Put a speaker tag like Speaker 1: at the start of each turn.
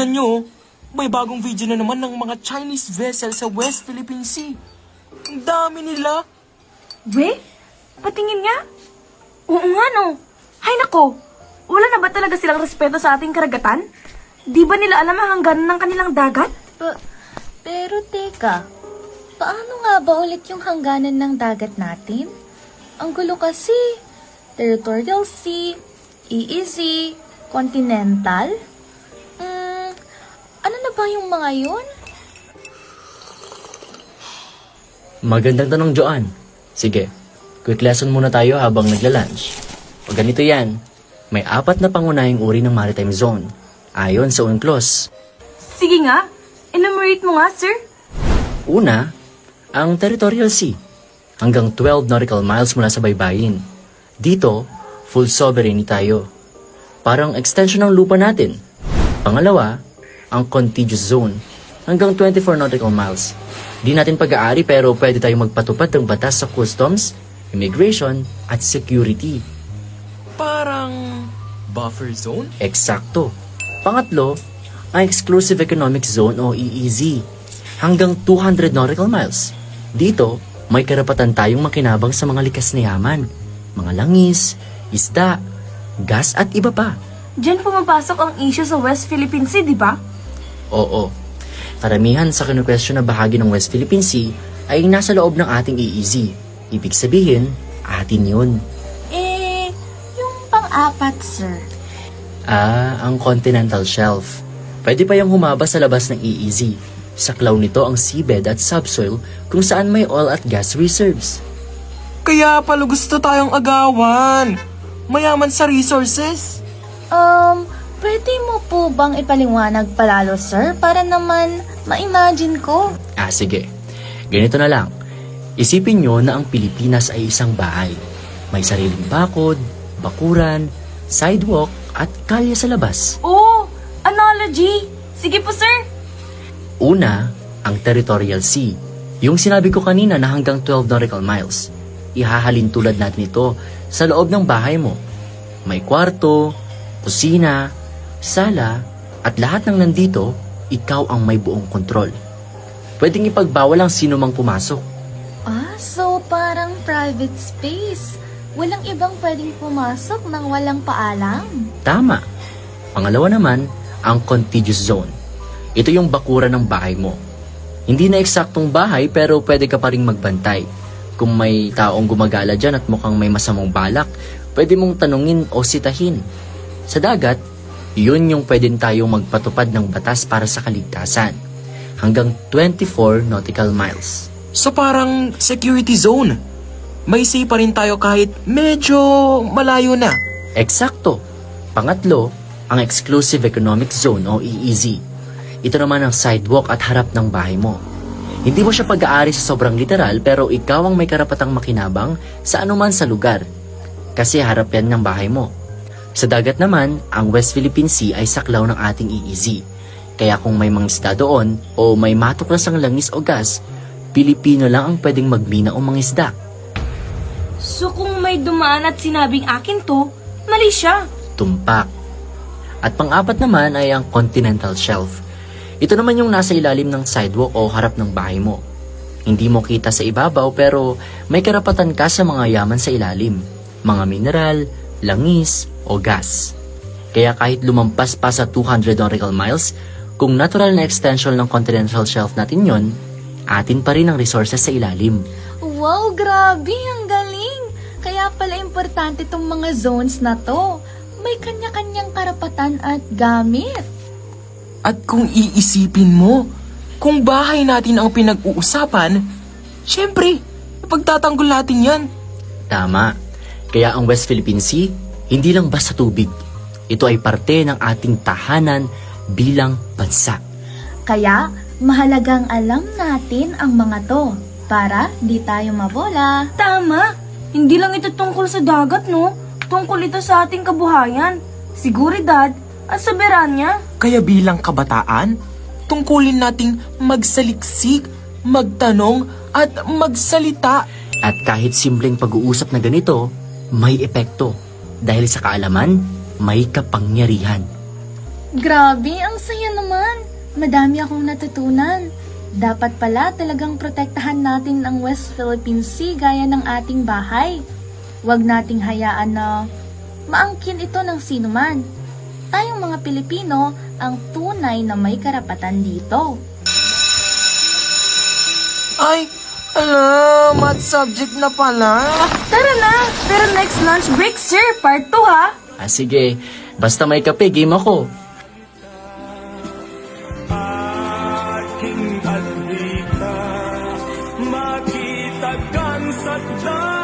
Speaker 1: Tignan nyo, may bagong video na naman ng mga Chinese vessel sa West Philippine Sea. Ang dami nila.
Speaker 2: We? Patingin nga? Oo nga no. Hay nako, wala na ba talaga silang respeto sa ating karagatan? Di ba nila alam ang hangganan ng kanilang dagat?
Speaker 3: Pero teka, paano nga ba ulit yung hangganan ng dagat natin? Ang gulo kasi. Territorial Sea, EEZ, Continental? Ano na ba yung mga yun?
Speaker 4: Magandang tanong, Joanne. Sige, quick lesson muna tayo habang nagla-lunch. O ganito yan, may 4 na pangunahing uri ng maritime zone, ayon sa UNCLOS.
Speaker 2: Sige nga, enumerate mo nga sir.
Speaker 4: Una, ang Territorial Sea, hanggang 12 nautical miles mula sa baybayin. Dito, full sovereignty tayo. Parang extension ng lupa natin. Pangalawa, ang Contiguous Zone, hanggang 24 nautical miles. Di natin pag-aari pero pwede tayong magpatupad ng batas sa customs, immigration, at security.
Speaker 1: Parang buffer zone?
Speaker 4: Eksakto. Pangatlo, ang Exclusive Economic Zone o EEZ, hanggang 200 nautical miles. Dito, may karapatan tayong makinabang sa mga likas na yaman, mga langis, isda, gas at iba pa.
Speaker 2: Diyan pumapasok ang issue sa West Philippine Sea, di ba?
Speaker 4: Oo. Karamihan sa kinukwestiyon na bahagi ng West Philippine Sea ay nasa loob ng ating EEZ. Ibig sabihin, atin yun.
Speaker 3: Yung pang-apat, sir.
Speaker 4: Ang Continental Shelf. Pwede pa yung humaba sa labas ng EEZ. Saklaw nito ang seabed at subsoil kung saan may oil at gas reserves.
Speaker 1: Kaya pala gusto tayong agawan. Mayaman sa resources.
Speaker 3: Pwede mo po bang ipaliwanag palalo, sir? Para naman ma-imagine ko.
Speaker 4: Sige. Ganito na lang. Isipin nyo na ang Pilipinas ay isang bahay. May sariling bakod, bakuran, sidewalk, at kalye sa labas.
Speaker 2: Oo, analogy. Sige po sir.
Speaker 4: Una, ang Territorial Sea. Yung sinabi ko kanina na hanggang 12 nautical miles. Ihahalin tulad natin ito sa loob ng bahay mo. May kwarto, kusina, sala, at lahat ng nandito, ikaw ang may buong kontrol. Pwedeng ipagbawal ang sino mang pumasok.
Speaker 3: So parang private space. Walang ibang pwedeng pumasok nang walang paalam.
Speaker 4: Tama. Pangalawa naman, ang Contiguous Zone. Ito yung bakuran ng bahay mo. Hindi na eksaktong bahay pero pwede ka pa rin magbantay. Kung may taong gumagala dyan at mukhang may masamang balak, pwede mong tanungin o sitahin. Sa dagat, yun yung pwede tayong magpatupad ng batas para sa kaligtasan. Hanggang 24 nautical miles.
Speaker 1: So parang security zone. May say pa rin tayo kahit medyo malayo na.
Speaker 4: Eksakto. Pangatlo, ang Exclusive Economic Zone o EEZ. Ito naman ang sidewalk at harap ng bahay mo. Hindi mo siya pag-aari sa sobrang literal pero ikaw ang may karapatang makinabang sa anuman sa lugar. Kasi harap yan ng bahay mo. Sa dagat naman, ang West Philippine Sea ay saklaw ng ating EEZ. Kaya kung may mga isda doon o may matuklasang langis o gas, Pilipino lang ang pwedeng magmina o mangisda.
Speaker 2: So kung may dumaan at sinabing akin to, mali siya.
Speaker 4: Tumpak. At pang-apat naman ay ang Continental Shelf. Ito naman yung nasa ilalim ng sidewalk o harap ng bahay mo. Hindi mo kita sa ibabaw pero may karapatan ka sa mga yaman sa ilalim. Mga mineral, langis, o gas. Kaya kahit lumampas pa sa 200 nautical miles, kung natural na extension ng Continental Shelf natin yon, atin pa rin ang resources sa ilalim.
Speaker 3: Wow, grabe! Ang galing! Kaya pala importante tong mga zones na to. May kanya-kanyang karapatan at gamit.
Speaker 1: At kung iisipin mo, kung bahay natin ang pinag-uusapan, syempre, ipagtatanggol natin yan.
Speaker 4: Tama. Kaya ang West Philippine Sea, hindi lang basta tubig. Ito ay parte ng ating tahanan bilang bansa.
Speaker 3: Kaya, mahalagang alam natin ang mga to para di tayo mabola.
Speaker 2: Tama. Hindi lang ito tungkol sa dagat, no? Tungkol ito sa ating kabuhayan, seguridad, at soberanya.
Speaker 1: Kaya bilang kabataan, tungkulin nating magsaliksik, magtanong, at magsalita.
Speaker 4: At kahit simpleng pag-uusap na ganito, may epekto. Dahil sa kaalaman, may kapangyarihan.
Speaker 3: Grabe, ang saya naman. Madami akong natutunan. Dapat pala talagang protektahan natin ang West Philippine Sea gaya ng ating bahay. Huwag nating hayaan na maangkin ito ng sinuman. Tayong mga Pilipino ang tunay na may karapatan dito.
Speaker 1: Ay, ala, math subject na pala.
Speaker 2: Tara na! Pero next lunch break, sir. Part 2, ha?
Speaker 4: Sige. Basta may kape, game ako.
Speaker 5: Aking alita, makitagan sa